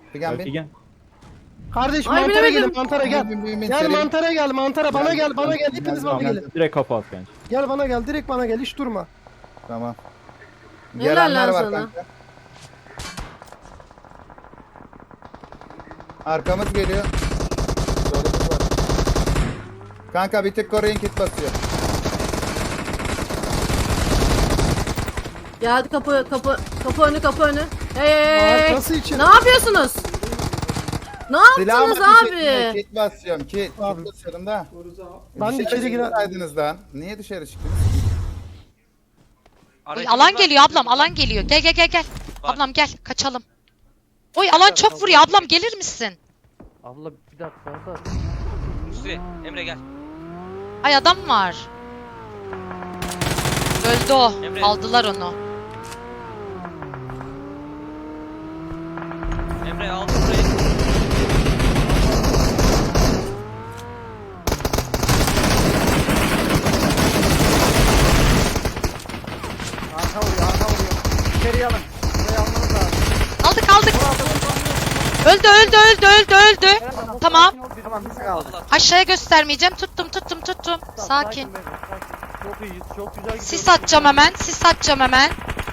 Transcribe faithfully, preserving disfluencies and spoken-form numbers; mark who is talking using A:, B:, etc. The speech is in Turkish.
A: Figen bin.
B: Figen.
C: Kardeş
D: Ay,
C: mantara
D: bilemedim.
C: gelin mantara gel.
A: Bin, bin, bin,
C: Gel
A: seri.
C: mantara gel mantara bana
A: Gel,
C: gel bana
A: gel,
C: gel
A: gel,
C: hepiniz
A: gel,
C: bana
A: gel.
C: gelin.
B: Direkt kafa at bence.
C: Gel bana gel direkt bana gel hiç durma.
A: Tamam.
D: Helal
A: Gelenler
D: lan
A: var
D: sana.
A: kanka. Arkamız geliyor. Solumuz var. Kanka bir tık koruyun, kit basıyor.
D: Geldi kapı kapı kapı önü kapı önü. Hey hey hey, hey.
C: Arkası için.
D: Ne yapıyorsunuz? Ne
A: Silahımı
D: yaptınız
A: ateş etmiyor,
D: abi?
A: kit basıyorum. Kit.
C: Abi.
A: Kit basıyorum da.
C: Ben
A: Dışarı
C: içeri girer-
A: çıksaydınız lan. Niye dışarı çıktınız?
E: Oy,
F: Aracımız
E: alan
F: var,
E: geliyor ablam,
F: aracımız var.
E: alan geliyor. Gel gel gel gel.
F: Var.
E: Ablam gel, kaçalım. Oy alan çok vuruyor ablam, gelir misin?
G: Abla bir dakika da.
F: Hüsnü, Emre gel.
E: Ay adam var. Öldü o.
F: Emre.
E: Aldılar onu.
F: Emre aldı burayı.
G: Arka vuruyor, arka vuruyor. İçeriye alın. Burayı almanız lazım.
E: Aldık aldık. Öldü öldü öldü öldü öldü. Tamam.
G: Tamam biz kaldık.
F: Allah.
E: Aşağıya göstermeyeceğim. Tuttum tuttum tuttum.
G: Tamam,
E: Sakin.
G: be, sakin. Çok iyiyiz, çok güzel gidiyoruz.
E: Sis atacağım hemen. Sis atacağım hemen.